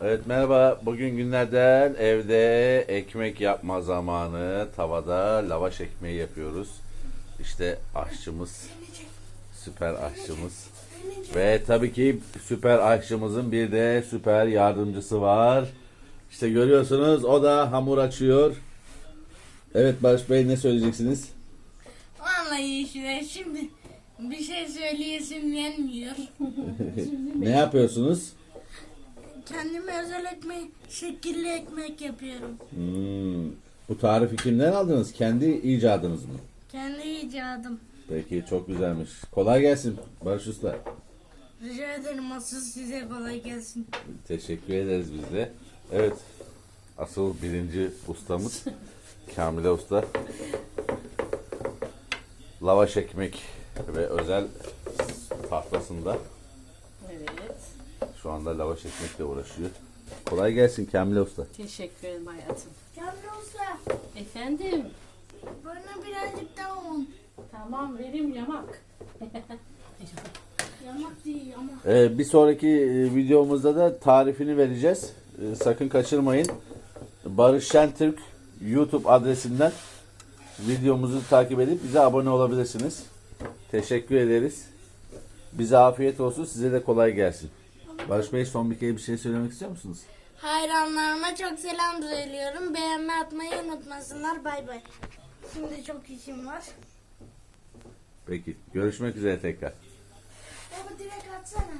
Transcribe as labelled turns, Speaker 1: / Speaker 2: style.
Speaker 1: Evet merhaba. Bugün günlerden evde ekmek yapma zamanı. Tavada lavaş ekmeği yapıyoruz. İşte aşçımız, süper aşçımız. Ve tabii ki süper aşçımızın bir de süper yardımcısı var. İşte görüyorsunuz o da hamur açıyor. Evet Barış Bey ne söyleyeceksiniz?
Speaker 2: Vallahi işte şimdi bir şey söyleyesim gelmiyor.
Speaker 1: Ne yapıyorsunuz?
Speaker 2: Kendime özel ekmek, şekilli ekmek yapıyorum.
Speaker 1: Bu tarifi kimden aldınız? Kendi icadınız mı?
Speaker 2: Kendi icadım.
Speaker 1: Peki çok güzelmiş. Kolay gelsin Barış Usta.
Speaker 2: Rica ederim, asıl size kolay gelsin.
Speaker 1: Teşekkür ederiz biz de. Evet. Asıl birinci ustamız Kamile Usta. Lavaş ekmek ve özel tahtasında
Speaker 3: Evet.
Speaker 1: şu anda lavaş ekmekle uğraşıyor. Kolay gelsin Kamile Usta.
Speaker 3: Teşekkür ederim hayatım.
Speaker 2: Kamil Usta,
Speaker 3: Efendim.
Speaker 2: bana birazcık daha un.
Speaker 3: Tamam vereyim yamak.
Speaker 2: Yamak değil ama.
Speaker 1: Bir sonraki videomuzda da tarifini vereceğiz. Sakın kaçırmayın. Barış Şentürk YouTube adresinden videomuzu takip edip bize abone olabilirsiniz. Teşekkür ederiz. Bize afiyet olsun. Size de kolay gelsin. Barış Bey son bir kere bir şey söylemek istiyor musunuz?
Speaker 2: Hayranlarıma çok selam söylüyorum. Beğenme atmayı unutmasınlar. Bay bay. Şimdi çok işim var.
Speaker 1: Peki. Görüşmek üzere tekrar.
Speaker 2: Baba direkt atsana.